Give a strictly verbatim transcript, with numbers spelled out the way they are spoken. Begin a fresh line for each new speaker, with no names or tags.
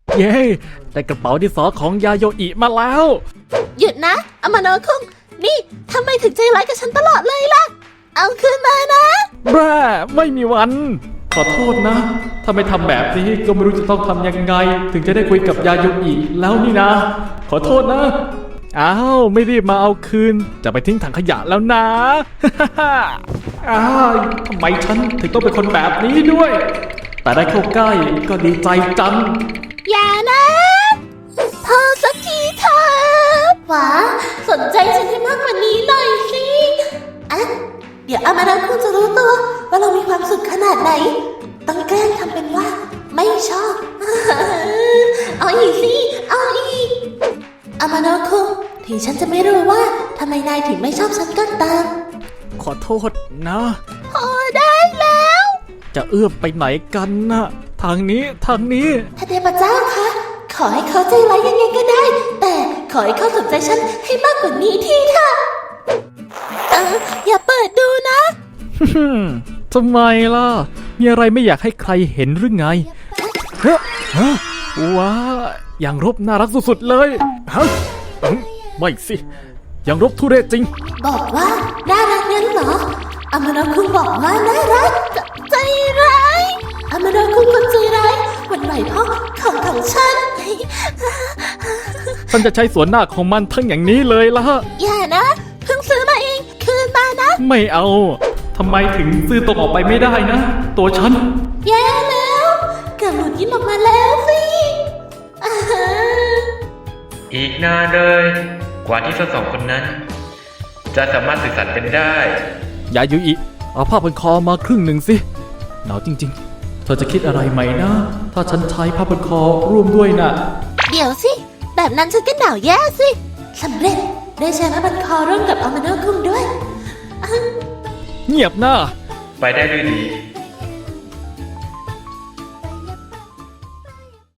เย้ได้กระเป๋าดินสอของยาโยอิมาแล้ว
หยุดนะอามาโนะคุงนี่ทำไมถึงใจร้ายกับฉันตลอดเลยล่ะเอาคืนมานะ
บ้าไม่มีวัน ขอโทษนะ ถ้าไม่ทำแบบนี้ก็ไม่รู้จะต้องทำยังไง ถึงจะได้คุยกับยาโยอิแล้วนี่นะ ขอโทษนะ อ้าวไม่รีบมาเอาคืน จะไปทิ้งถังขยะแล้วนะ อ้าวทำไมฉันถึงต้องเป็นคนแบบนี้ด้วย แต่ได้เข้าใกล้ก็ดีใจจัง
อย่านะพอสักทีเถอะหวาสนใจฉันให้มากกว่านี้หน่อยสิอะเดี๋ยวอามาโนะคุงจะรู้ตัวว่าเรามีความสุขขนาดไหนต้องแกล้งทำเป็นว่าไม่ชอบ เอาอีกสิเอาอีกอามาโนะคุงถึงฉันจะไม่รู้ว่าทำไมนายถึงไม่ชอบฉันก็ตาม
ขอโทษนะ
พอได้แล้ว
จะเอื้อมไปไหนกันนะทางนี้ทางนี้
พระเทพเจ้าคะขอให้เขาใจร้ายยังไงก็ได้ แต่ขอให้เขาสนใจฉันให้มากกว่านี้ทีเถอะเอออย่าเปิดดูนะ
ทำไมล่ะ มีอะไรไม่อยากให้ใครเห็นหรือไงเฮ้ยฮะว้าอย่างรบน่ารักสุดๆเลยฮะอืมไม่สิอย่างรบทุเรศจริง
บอกว่าน่ารักงั้นเหรออามาโนะคุงบอกว่าน่ารักจใจร้ายอามาโนะคุงคนใจร้ายหวันไหวเพราะของของฉัน
ฉันจะใช้สวนหน้าของมันทั้งอย่างนี้เลยล่ะ
อย่านะเพิ่งซื้อมาเองคืนมานะ
ไม่เอาทำไมถึงซื้อตรงออกไปไม่ได้นะ ตัวฉัน
แย่แล้วเกิดหลุดยิ้มออกมาแล้วสิอ่าฮะ
อีกนานเลย กว่าที่ทั้งสองคนนั้น จะสามารถสื่อสารกันได้
ยายุอิเอาผ้าพันคอมาครึ่งหนึ่งสิหนาวจริงๆ เธอจะคิดอะไรไหมนะ ถ้าฉันใช้ผ้าพันคอร่วมด้วยน่ะ
เดี๋ยวสิ แบบนั้นฉันก็หนาวแย่สิสำเร็จได้ใช้ผ้าพันคอร่วมกับอามาโนะคุงด้วยอ่ะ
เงียบหน้า
ไปได้ด้วยดี